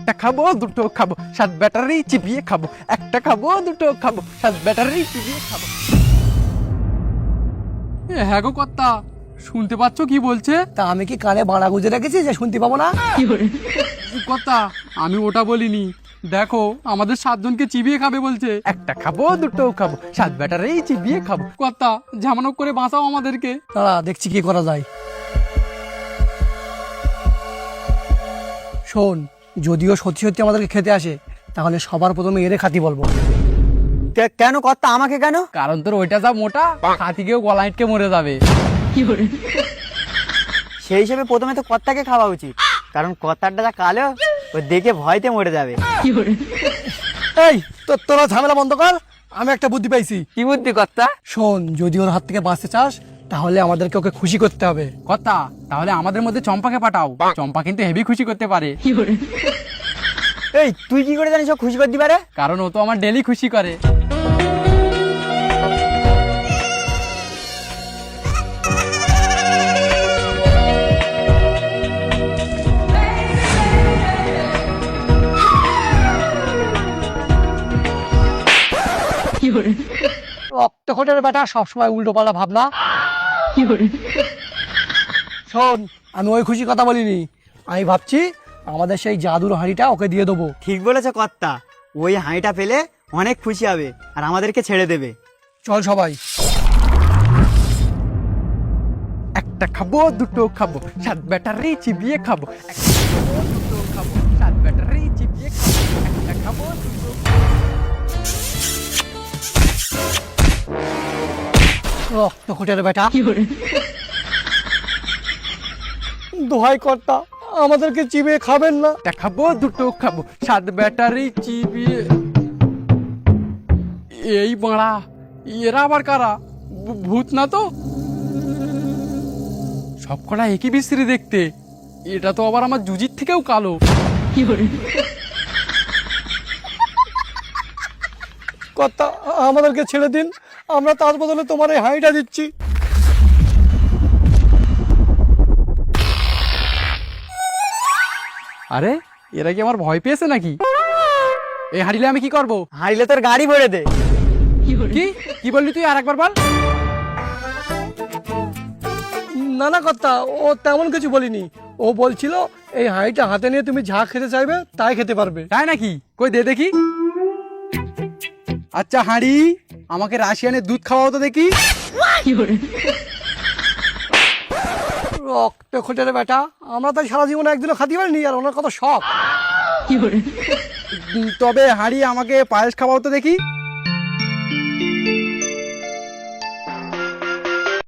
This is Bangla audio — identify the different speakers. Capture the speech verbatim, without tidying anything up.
Speaker 1: একটা খাবো দুটো খাবো সাত ব্যাটারি চিবিয়ে খাবো, একটা খাবো দুটো খাবো সাত ব্যাটারি চিবিয়ে খাবো।
Speaker 2: হ্যাঁ গো কর্তা, শুনতে পাচ্ছ কি বলছে?
Speaker 3: তা আমি কি কানে বাড়া গুজে রেখেছি যে শুনতে পাবো না?
Speaker 2: কর্তা আমি ওটা বলিনি, দেখো আমাদের সাতজনকে চিবিয়ে খাবে বলছে।
Speaker 1: একটা খাবো দুটো খাবো সাত ব্যাটারি চিবিয়ে খাবো।
Speaker 2: কর্তা ঝামানো করে বাঁচাও আমাদেরকে।
Speaker 3: দাঁড়া দেখছি কি করা যায়। শোন, যদিও সত্যি সত্যি আমাদেরকে খেতে আসে, তাহলে সবার প্রথমে এরে খাতি বলবো।
Speaker 4: কেন কর্তা আমাকে কেন?
Speaker 2: কারণ তোর ওইটা যা মোটা, হাতিকেও গলা আটকে মরে যাবে।
Speaker 4: সেই হিসেবে প্রথমে তো কর্তাকে খাওয়া উচিত, কারণ কর্তারটা যা কালো, ও দেখে ভয়তে মরে যাবে।
Speaker 3: এই তো তোরা ঝামেলা বন্ধ কর, আমি একটা বুদ্ধি পাইছি।
Speaker 4: কি বুদ্ধি কর্তা?
Speaker 3: শোন, যদি ওর হাত থেকে বাঁচতে চাস তাহলে আমাদেরকে ওকে খুশি করতে হবে।
Speaker 2: কর্তা তাহলে আমাদের মধ্যে চম্পাকে পাঠাও, চম্পা কিন্তু হেভি খুশি করতে পারে।
Speaker 4: এই তুই কি করে জানিস ও খুশি করতে পারে?
Speaker 2: কারণ ও তো আমার ডেলি খুশি করে।
Speaker 3: রক্তকোটের বেটা সবসময় উল্টো পাল্টা ভাবনা। শোন, আমি ওই খুশি কথা বলিনি, আমি ভাবছি আমাদের সেই জাদুর হাঁড়িটা ওকে দিয়ে দেবো।
Speaker 4: ঠিক বলেছে কর্তা, ওই হাঁড়িটা পেলে অনেক খুশি হবে আর আমাদেরকে ছেড়ে দেবে।
Speaker 3: চল সবাই।
Speaker 1: একটা খাবো দুটো খাবো সাত ব্যাটারি চিবিয়ে খাবো, একটা খাবো দুটো খাবো সাত ব্যাটারি চিবিয়ে খাবো, একটা খাবো দুটো
Speaker 3: রক্তকোটের বেটা, দোহাই কর্তা আমাদেরকে চিবিয়ে খাবেন না।
Speaker 1: একটা খাবো দুটো খাবো সাত ব্যাটারি চিবিয়ে।
Speaker 2: এই বাড়া, এরা আবার কারা? ভূ- ভূত না তো? সব কটা একই বিশ্রী দেখতে, এটা তো আবার আমার জুজির থেকেও কালো।
Speaker 3: কর্তা আমাদেরকে ছেড়ে দিন, আমরা তার বদলে তোমার এই হাঁড়িটা দিচ্ছি।
Speaker 2: আরে এরা কি আমার ভয় পেয়েছে নাকি? এই হারিলে আমি কি করব?
Speaker 4: হাঁড়িলে তোর গাড়ি ভরে দে।
Speaker 2: কি কি বললি তুই? আর একবার বল।
Speaker 3: না না কর্তা, ও তেমন কিছু বলিনি, ও বলছিল এই হাঁড়িটা হাতে নিয়ে তুমি যা খেতে চাইবে তাই খেতে পারবে।
Speaker 2: তাই নাকি? কই দে দেখি। আচ্ছা হাঁড়ি, আমাকে রাশিয়ানের দুধ খাওয়াও তো দেখি।
Speaker 3: রক্ত খোঁটের বেটা, আমরা তাই সারা জীবনে একদিনও খাতে পারিনি, আর ওনার কত শখ।
Speaker 2: উম, তবে হাঁড়ি আমাকে পায়েস খাওয়াও তো দেখি।